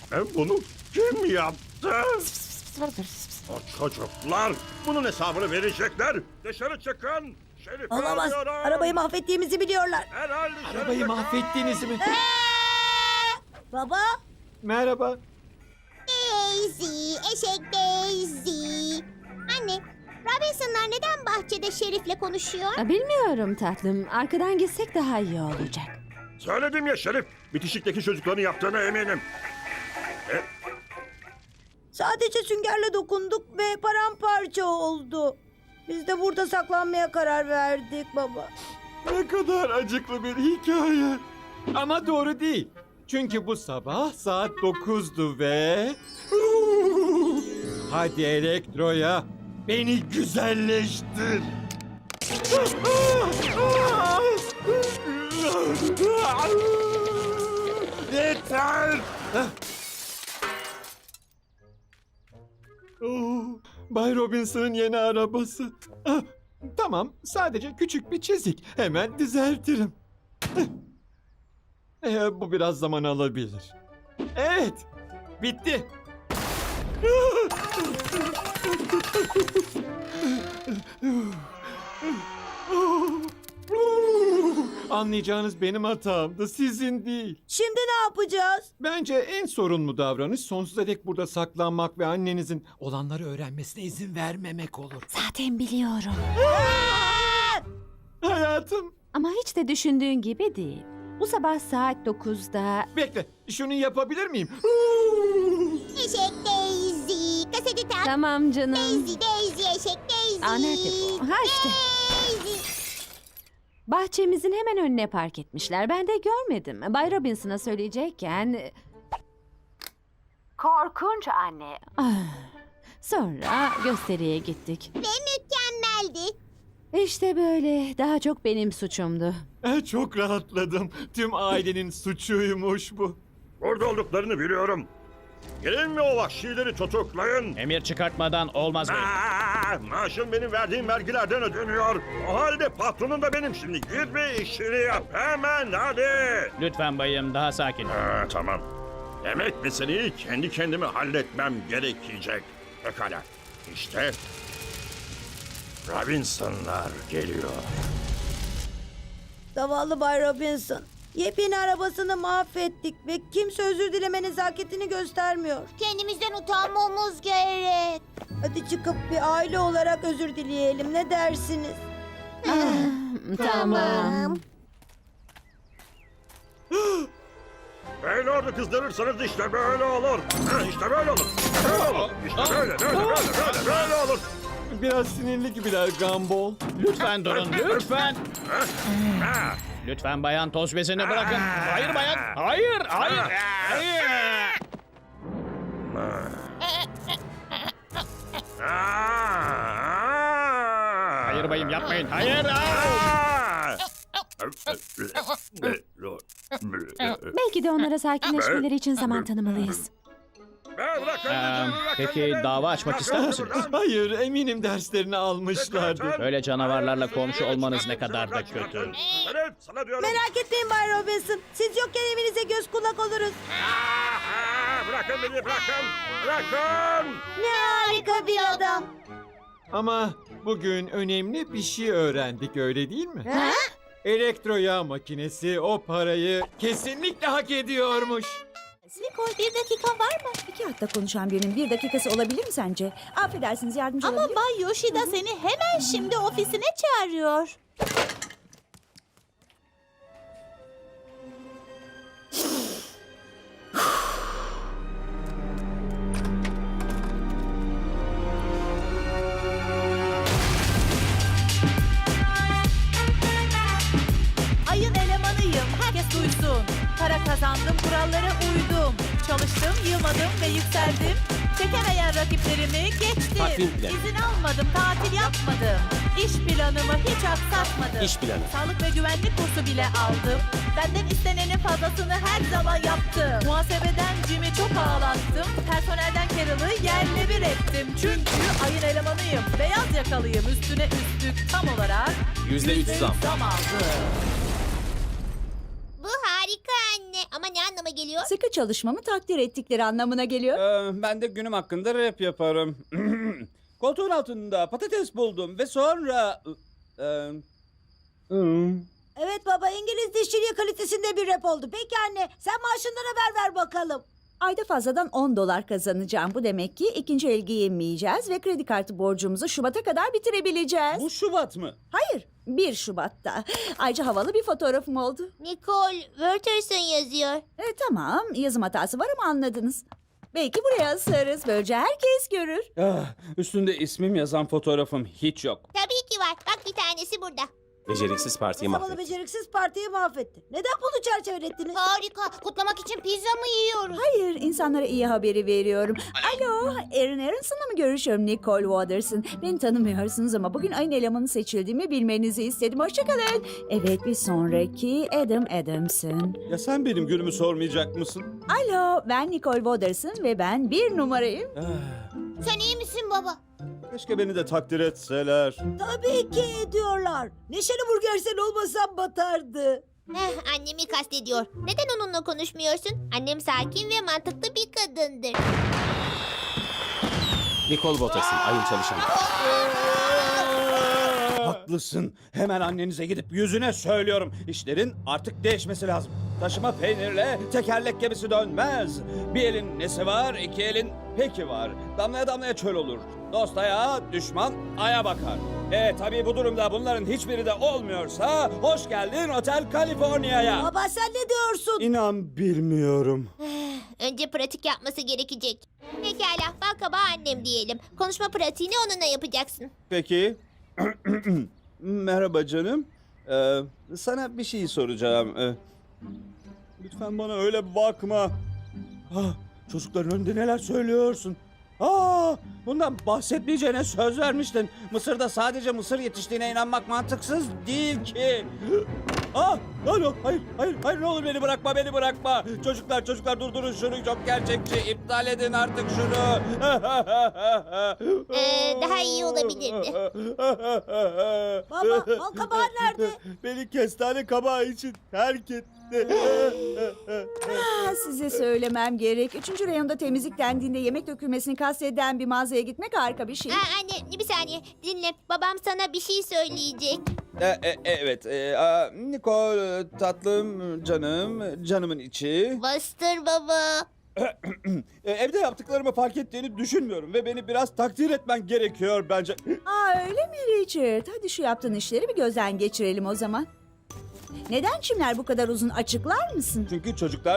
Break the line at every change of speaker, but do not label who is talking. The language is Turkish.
Bunu kim yaptı? O çocuklar bunun hesabını verecekler. Dışarı çıkın. Şerif'i
Olamaz.
arıyorum.
Arabayı mahvettiğimizi biliyorlar.
Herhalde dışarı
Arabayı
çıkın.
mahvettiniz mi?
Baba.
Merhaba.
Daisy, eşek Daisy. Anne, Robinson'lar neden bahçede Şerif'le konuşuyor?
Bilmiyorum tatlım. Arkadan gitsek daha iyi olacak.
Söyledim ya Şerif. Bitişikteki çocukların yaptığına eminim.
Sadece süngerle dokunduk ve paramparça oldu. Biz de burada saklanmaya karar verdik baba.
Ne kadar acıklı bir hikaye. Ama doğru değil. Çünkü bu sabah saat 9'du ve... Hadi Elektro'ya beni güzelleştir. Yeter. Bay Robinson'ın yeni arabası. Tamam, sadece küçük bir çizik. Hemen düzeltirim. Bu biraz zaman alabilir. Evet, bitti. Anlayacağınız benim hatamdı, sizin değil.
Şimdi ne yapacağız?
Bence en sorunlu davranış sonsuza dek burada saklanmak ve annenizin olanları öğrenmesine izin vermemek olur.
Zaten biliyorum.
Hayatım,
Ama hiç de düşündüğün gibi değil. Bu sabah saat 9'da...
bekle, şunu yapabilir miyim?
Eşek Daisy, kaseti tak.
Tamam canım.
Daisy, eşek Daisy.
Aa, nerede bu? Ha işte.
Daisy.
Bahçemizin hemen önüne park etmişler. Ben de görmedim. Bay Robinson'a söyleyecekken... Korkunç anne. Sonra gösteriye gittik.
Ve mükemmeldi.
İşte böyle. Daha çok benim suçumdu.
Çok rahatladım. Tüm ailenin suçuymuş bu.
Burada olduklarını biliyorum. Gelin mi o vahşileri tutuklayın?
Emir çıkartmadan olmaz bey.
Maaşım benim verdiğim vergilerden ödeniyor. O halde patronun da benim şimdi. Git ve işini yap. Hemen hadi.
Lütfen bayım daha sakin.
Tamam. Demek meseleyi kendi kendime halletmem gerekecek. Pekala. İşte Robinson'lar geliyor.
Zavallı Bay Robinson. Yepyeni arabasını mahvettik ve kimse özür dileme nezaketini göstermiyor.
Kendimizden utanmamız gerek.
Hadi çıkıp bir aile olarak özür dileyelim. Ne dersiniz?
Tamam.
Beyler kızdırırsanız işte böyle olur. İşte böyle olur. Böyle olur. İşte böyle olur.
Biraz sinirli gibiler Gumball.
Lütfen durun, lütfen. Lütfen bayan toz bezini bırakın. Hayır bayan. Hayır, hayır. Hayır. Hayır bayım yapmayın. Hayır.
Belki de onlara sakinleşmeleri için zaman tanımalıyız.
Peki dava açmak ister misiniz?
Hayır, eminim derslerini almışlardır.
Böyle canavarlarla komşu olmanız ne kadar da kötü.
Sana diyorum.
Merak etmeyin Bay Robinson. Siz yokken evinize göz kulak oluruz.
Bırakın beni bırakın. Bırakın.
Ne harika bir adam.
Ama bugün önemli bir şey öğrendik, öyle değil mi?
Ha?
Elektro yağ makinesi o parayı kesinlikle hak ediyormuş.
Nikol, bir dakika var mı? 2 hafta konuşan birinin 1 dakikası olabilir mi sence? Affedersiniz, yardımcı olabilir
Ama Bay Yoshida seni hemen şimdi ofisine çağırıyor. Ayın elemanıyım, herkes duysun. Para kazandım, kurallara uydum. Çalıştım, yılmadım ve yükseldim. Çekemeyen rakiplerimi geçtim.
Takvim planı.
İzin almadım, tatil yapmadım. İş planımı hiç aksatmadım.
İş planı.
Sağlık ve güvenlik kursu bile aldım. Benden istenenin fazlasını her zaman yaptım. Muhasebeden Jim'i çok ağlattım. Personelden Carol'ı yerle bir ettim. Çünkü ayın elemanıyım. Beyaz yakalıyım. Üstüne üstlük tam olarak
%3 zam.
zam aldım.
Bu harika anne. Ama ne anlama anlama geliyor?
Sıkı çalışmamı takdir ettikleri anlamına geliyor.
Ben de günüm hakkında rap yaparım. Koltuğun altında patates buldum ve sonra...
Evet baba, İngiliz dişçiliği kalitesinde bir rap oldu. Peki anne, sen maaşından haber ver bakalım.
Ayda fazladan $10 kazanacağım. Bu demek ki ikinci el giyinmeyeceğiz ve kredi kartı borcumuzu Şubat'a kadar bitirebileceğiz.
Bu Şubat mı?
Hayır, 1 Şubat'ta. Ayrıca havalı bir fotoğrafım oldu.
Nicole Wertherson yazıyor.
Tamam, yazım hatası var ama anladınız. Belki buraya asarız. Böylece herkes görür.
Üstünde ismim yazan fotoğrafım hiç yok.
Tabii ki var. Bak bir tanesi burada.
Beceriksiz partiyi
Zavallı
mahvetti.
beceriksiz partiyi mahvetti. Neden bunu çerçevelettiniz?
Harika. Kutlamak için pizza mı yiyoruz?
Hayır, insanlara iyi haberi veriyorum. Alo, Aaron Aronson'la mı görüşüyorum Nicole Watterson? Beni tanımıyorsunuz ama bugün ayın elemanı seçildiğimi bilmenizi istedim. Hoşçakalın. Evet, bir sonraki Adam Adamson.
Ya sen benim günümü sormayacak mısın?
Alo, ben Nicole Watterson ve ben 1 numarayım.
Sen iyi misin baba?
Keşke beni de takdir etseler.
Tabii ki ediyorlar. Neşeli Burger sen olmasan batardı.
Annemi kastediyor. Neden onunla konuşmuyorsun? Annem sakin ve mantıklı bir kadındır.
Nicole Watterson, ayın çalışanı.
Haklısın. Hemen annenize gidip yüzüne söylüyorum. İşlerin artık değişmesi lazım. Taşıma peynirle tekerlek gemisi dönmez. Bir elin nesi var, iki elin peki var. Damlaya damlaya çöl olur. Dost ayağa, düşman aya bakar. Tabii bu durumda bunların hiçbiri de olmuyorsa hoş geldin Otel California'ya.
Baba sen ne diyorsun?
İnan bilmiyorum.
Önce pratik yapması gerekecek. Pekala, bal kabağı annem diyelim. Konuşma pratiğini onunla yapacaksın.
Peki. Merhaba canım. Sana bir şey soracağım. Lütfen bana öyle bakma. Çocukların önünde neler söylüyorsun? Bundan bahsetmeyeceğine söz vermiştin. Mısır'da sadece mısır yetiştiğine inanmak mantıksız değil ki. Hayır ne olur beni bırakma. Çocuklar durdurun şunu, çok gerçekçi. İptal edin artık şunu.
Daha iyi olabilirdi.
Baba, bal kabağı nerede?
Beni kestane kabağı için terk etti.
Size söylemem gerek. 3. reyonda temizlik dendiğinde yemek dökülmesini kasteden bir mağazaya gitmek harika bir şey.
Anne, bir saniye. Dinle. Babam sana bir şey söyleyecek.
Evet. Nicole tatlım, canımın içi.
Bastır baba.
Evde yaptıklarımı fark ettiğini düşünmüyorum ve beni biraz takdir etmen gerekiyor bence.
Öyle mi Richard? Hadi şu yaptığın işleri bir gözden geçirelim o zaman. Neden çimler bu kadar uzun, açıklar mısın?
Çünkü çocuklar